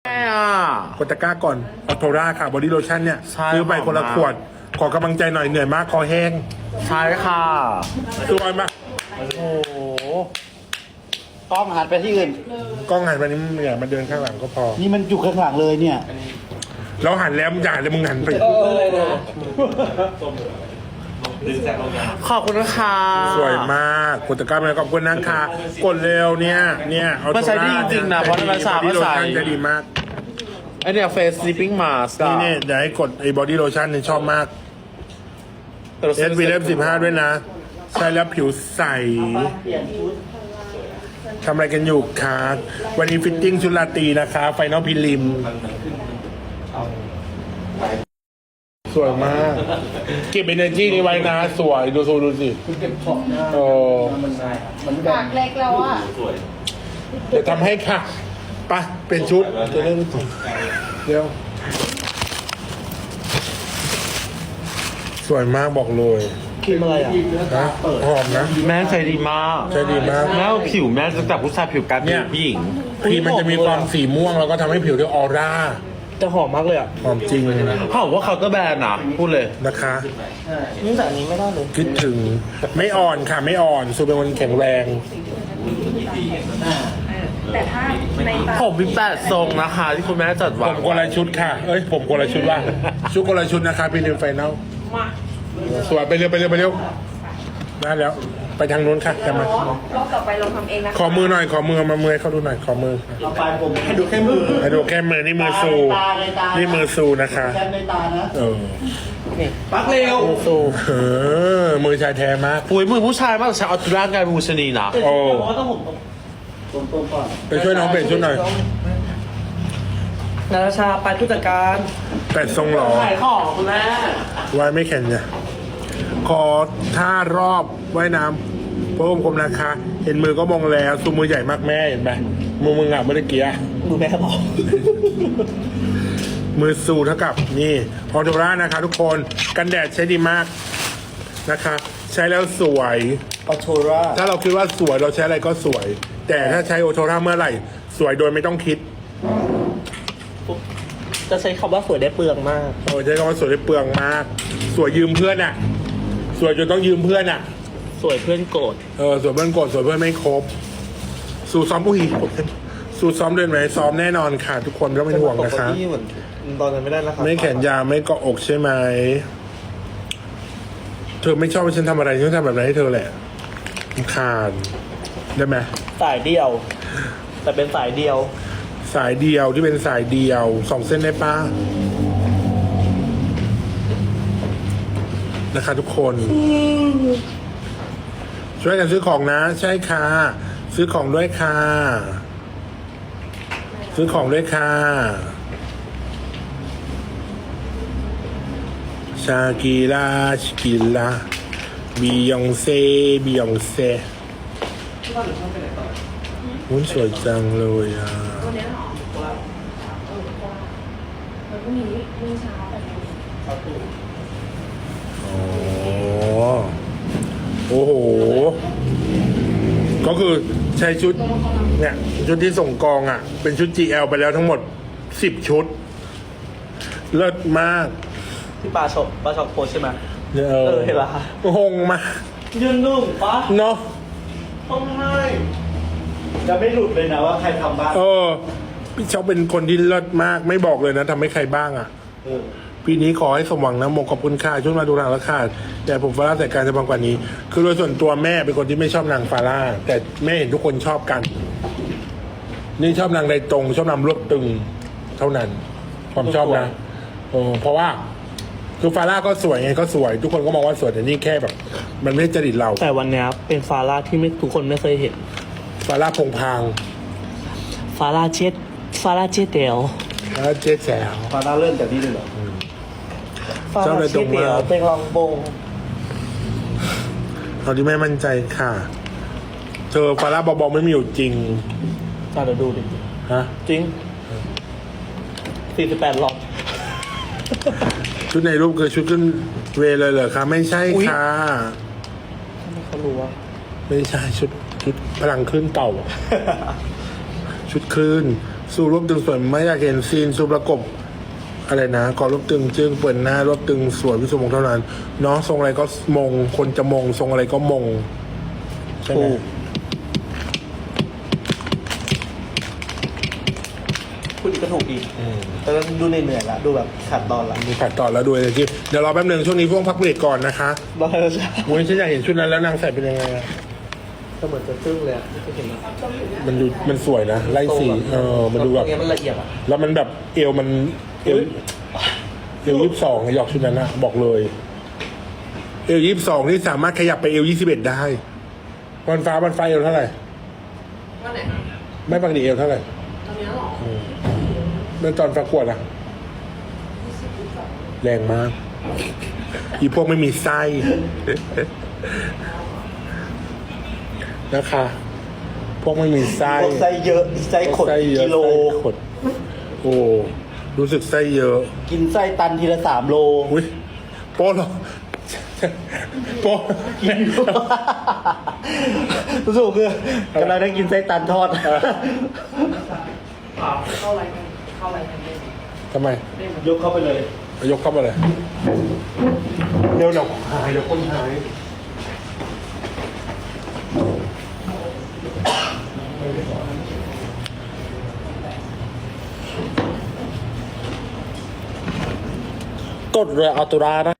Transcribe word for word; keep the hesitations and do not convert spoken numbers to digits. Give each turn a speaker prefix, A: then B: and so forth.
A: ช่อ่ะ
B: กดตะกร้าก่อนออโทราค่ะบอดี้โลชั่นเนี่ย
A: ใช่
B: ซื้อไปคนละ
A: หอมมาก
B: ขวด ขอกำลังใจหน่อยเหนื่อยมากคอแห้ง
A: ใช่ค่ะ
B: สวยมาก
A: โอ้โห
C: กล้องหันไปที่อื่น
B: กล้องหันไปนี่มึงอย่ามาเดินข้างหลังก็พอ
C: นี่มันอยู่ข้างหลังเลยเนี่ย
B: เราหันแล้วมึงอย่าหันแล้วมึงหันไป
A: ขอบคุณนะคะ
B: สวยมากกดตะกร้าไปขอบคุณนะคะกดเร็วเนี่ยเนี่ยเอา
A: มันใช้ดีจริงๆนะเพราะมันสามารถใส่
B: จะดีมาก
A: ไอเนี่ยเฟส sleeping mask
B: นี่เนี่ยเดี๋ยวให้กดไอ้บอดี้โลชั่นเนี่ยชอบมากเอสวีเลฟสิบห้าด้วยนะ ใช้แล้วผิวใสทำอะไรกันอยู่คะวันนี้ฟิตติ้งชุดราตรีนะคะไฟนอลพิลิม สวยมาก เก็บเอเนอร์จีนี้ไว้นะ สวยดูสูดูสิโอ้
D: ปากเล็กแล้วอ่ะ
B: เดี๋ยวทำให้ค่ะไปะเป็นชุดจะเล่นเดี๋ยว สวยมากบอกเลย
C: ครีมอะไรอ่ะ
B: นะหอมนะ
A: แม่ใช้ดีมาก
B: ใช้ดีมาก
A: แม่เอาผิวแม่ตั้งแต่ผู้ชายผิวกลายเป็น
B: เนี่ย
A: ผู้หญิง
B: ครีมมันจะมีความสีม่วงแล้วก็ทำให้ผิวได้ออร่า
C: จะหอมมากเลยอ่ะ
B: หอมจริง
A: เขาบอกว่าเขาน์เตอร์แบรนด์นะพูดเลย
B: นะคะ
C: นี่แต่อันนี้ไม่ได้เลย
B: คิดถึงไม่อ่อนค่ะไม่อ่อนสูเป็นคนแข็งแรง
D: แต่ถ้าในปาก
A: ผมมีแปดทรงนะคะ ที่คุณแม่จัด
B: ผ
A: วาง
B: มคนละชุดค่ะ เอ้ยผมคนละชุดว่า ชุดคนละชุดนะคะพี่นิวไฟนอลสวยไปเร็วไปเร็วไปเร็วได้แล้ว ไปทางนู้นค่ะจะมาร
D: อบต่อไปเราทำเองนะ
B: ขอมือหน่อยขอมือมามือให้เขาดูหน่อยขอมือ
C: เอาไปผมให้ดูแค่มือ
B: ให้ดูแค่มือนี่มือซู
C: ตาในตา
B: นี่มือซูนะคะ
C: แค่ในตานะ
B: เออ
C: ปักเร็วสู้
B: เออมือชายแท้มาก
A: อุ้ยมือผู้ชายมากแต่ใช้ออตร่างกายมูชนีนะ
B: โอ้
C: เพราะต้องผมตรงตรงๆก่อน
B: ไปช่วยน้องเปลี่ยนชุดหน่อย
C: นาราชาไปผู้จัดการ
B: แปดทรงหล่อ
A: ขายของคุณแม่
B: ไว้ไม่แข็งเนี่ยขอท่ารอบว่ายน้ำพระอมคมนะคะ เห็นมือก็มองแล้วซูมือใหญ่มากแม่เห็นไหมมือมึงอ่ะเมื่อกี้อะ
C: มือแม่บอก
B: มือซูเท่ากับนี่ออโทรานะคะ ทุกคนกันแดดใช้ดีมากนะคะ ใช้แล้วสวย
C: ออโทรา
B: ถ้าเราคิดว่าสวยเราใช้อะไรก็สวย แต่ถ้าใช้โอโทราเมื่อไหร่ สวยโดยไม่ต้องคิด
C: จะใช้คำว่าสวยได้เปลืองมาก
B: โอ้ใช้คำว่าสวยได้เปลืองมาก สวยยืมเพื่อนอ่ะ สวยจนต้องยืมเพื่อนอ่ะ
C: สวยเพื่อนโกรธ
B: เออสวยเพื่อนโกรธสวยเพื่อนไม่ครบ สู่ซ้อมผู้หญิงสู่ซ้อมเดินไหมซ้อมแน่นอนค่ะ ทุกคนไม่ต้องเป็นห่วงนะคะ
C: ที่เหมือนตอนนั้นไม่ได้แล้วครับ
B: ไม่แขนยาวไม่เกาะอกใช่ไหมเธอไม่ชอบให้ฉันทำอะไรฉันทำแบบไหนให้เธอแหละรำคาญได้ไหม
C: สายเดียว แต่เป็นสายเดียว
B: สายเดียวที่เป็นสายเดียวสองเส้นได้ป้านะคะทุกคน ช่วยกันซื้อของนะ ใช่ค่ะ ซื้อของด้วยค่ะ ซื้อของด้วยค่ะ ชากีลาชกิลาบียองเซ่บียองเซ่หุ้นสวยจังเลยอ่ะ
D: วันนี้หรอมันก็มีมีเช้าแต่
B: อ๋อ โอ้โห ก็คือใช้ชุด เนี่ย ชุดที่ส่งกองอ่ะ เป็นชุด จี แอล ไปแล้วทั้งหมดสิบชุด เลิศมาก
C: ที่ปลาชอบปลาชอบโพสใช่ไหม
B: เอ
C: เออเห็นละ
B: หงมาก
C: ยืนนุ่มปะ
B: เนาะ
C: ต้องให้จะไม่หลุดเลยนะว่าใครทำบ้าง
B: เออ พี่เช้าเป็นคนที่เลิศมาก ไม่บอกเลยนะทำให้ใครบ้างอ่ะ
C: เออ
B: ปีนี้ขอให้สมหวังนะมงขอบคุณค่ะช่วงมาดูนางและค่ะแต่ผมฟาร่าแต่การจะบางกว่านี้ คือโดยส่วนตัวแม่เป็นคนที่ไม่ชอบนางฟาร่าแต่แม่เห็นทุกคนชอบกัน นี่ชอบนางใดตรง ชอบนางรวบตึง เท่านั้น ความชอบนะเออเพราะว่า คือฟาร่าก็สวยไงก็สวย ทุกคนก็มองว่าสวยแต่นี่แค่แบบ มันไม่ใช่จริตเรา
C: แต่วันเนี้ยเป็นฟาร่าที่ไม่ทุกคนไม่เคยเห็น
B: ฟาร่าพงพาง
C: ฟาร่าเจ็ดฟาร่าเจ็ดเดียว
B: ฟาร่าเจ๊แสว
C: ฟาร่าเริ่มจากนี่เลยเหรอฟา
B: เจ้า
C: ร่า
B: เลยตร
C: เจ็
B: ง
C: ด
B: มา
C: เดียวเป็นรองบง
B: เอาที่แม่มั่นใจค่ะ เธอฟาร่าบอๆไม่มีอยู่จริง
C: อ่ะเดี๋ยวดูดิ
B: ฮะ
C: จริงสี่สิบแปดหลอด
B: ชุดในรูปคือชุดขึ้นเวย์เลยเหรอคะไม่ใช่
C: อุ๊ย
B: ค่ะ
C: ทำไมเขารู้ว่า
B: ไม่ใช่ชุดชุดพลังคลื่นเต่า ชุดคลื่นสู้รวบตึงสวยไม่อยากเห็นซีนสู้ประกบอะไรนะกอรวบตึงจึงเปิดหน้ารวบตึงสวยพิสุมงเท่านั้นเนาะทรงอะไรก็มงคนจะมงทรงอะไรก็มงใช่ไหม
C: คุณก็ถูกอีกแต่ก็ดูเหนื่อยๆละดูแบบขาดตอนละ
B: มีขัดต่อแล้วด้วยเลยที่เดี๋ยวรอแป๊บหนึงช่วงนี้พวกพักเบรกก่อนนะคะ
C: บ้าแล้วจ้ะ
B: โอ้ยฉันอยากเห็นชุดนั้นแล้วนางใส่เป็นยังไงอะ
C: ก็เหมือนจะซึ้งเลยอะไม่เคยเห็นอะ
B: มันดูมันสวยนะไล่สีเออมันดูแบบ
C: ตรงนี้มันละเอียดอ่ะ
B: แล้วมันแบบเอวมันเอวเอวยี่สิบสองหยอกชุดนั้นนะบอกเลย เอวยี่สิบสองนี่สามารถขยับไปเอวยี่สิบเอ็ดได้วันฟ้าวันฟ้าเอวเท่าไหร่
D: วันไหน
B: ไม่ปกติเอวเท่าไหร่
D: ตอนนี้หรอ
B: เมื่อตอนประกวดอะแรงมาก อีพวกไม่มีไส้ นะคะ พวกไม่มีไส้
C: พวกไส้เยอะไส้ขด
B: ไส้เยอะ
C: กิโล
B: ไส้ขดโอ้รู้สึกไส้เยอะ
C: กินไส้ตันทีละสามโล
B: อุ้ยโป๊ะเหรอโป๊ะ
C: กินรู้สึกคือกำลังได้กินไส้ตันทอด
D: เข้าอะไรกันเข้าอะไรกันเลย
B: ทำไม
C: ยกเข้าไปเลย
B: ยกเข้ามาเลยเดี๋ยวเดี๋ยวหายเดี๋ยวคนหาย
A: กดเรืออัลตูรานะ